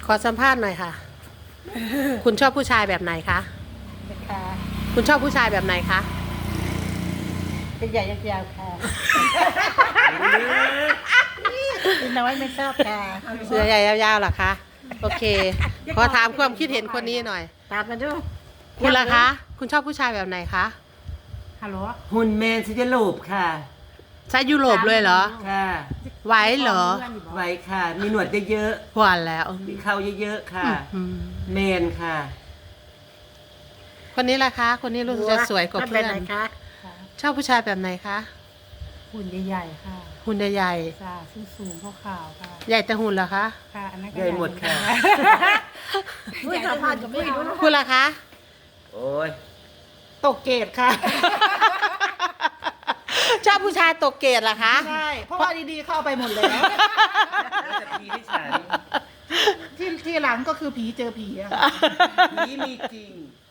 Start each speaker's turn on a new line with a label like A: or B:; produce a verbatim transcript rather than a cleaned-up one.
A: ขอสัมภาษณ์หน่อยค่ะ คุณชอบผู้ชายแบบไหนคะ
B: ค่ะ
A: คุณชอบผู้ชายแบบไหนคะ
B: เป็นใหญ่ยาวๆค่ะเป็นน้อยไม่ชอบค่ะ
A: เสื้อใหญ่ยาวๆเหรอคะ โอเค ขอถามความคิดเห็นคนนี้หน่อย
B: ตามมาดู
A: คุณล่ะคะ คุณชอบผู้ชายแบบไหนคะ
B: ฮัลโหล
C: หุ่นแมนซิจะโลบค่ะ
A: ใช้ยุโรปเลยเหรอ
C: ค่ะ
A: ไหวเหรอ
C: ไว้ค่ะ มีหนวดเยอะ
A: หวานแล้ว
C: ๆมีเข่าเยอะๆค่ะ
A: อืม
C: แมนค่ะ
A: คนนี้ล่ะคะ คนนี้รู้สึกจะสวยกว่าเพื่อน
B: ชบแบบไหนคะ
A: ชอบผู้ชายแบบไหนคะ
B: หุ่นใหญ่ๆค่ะ
A: หุ่นใหญ่
B: จ้าสูงสูงๆขาวๆค่ะ
A: ๆใหญ่แต่หุ่นเหรอคะ
B: ค่ะอันนั้นก็
C: ใหญ่หมดค่ะ
B: ด้วยสัมพันธ์กับไม่รู้นะ
A: คุณล่ะคะ
C: โอ้ย
B: ตกเกตค่ะ
A: ชอบผู้ชายตกเกรดเหรอคะ
B: ใช่ เพราะว่าดีๆเข้าไปหมดแล้ว
C: แล้วจะพีที่ฉัน
B: ที่ที่หลังก็คือผีเจอผีอะ
C: ผีมีจริง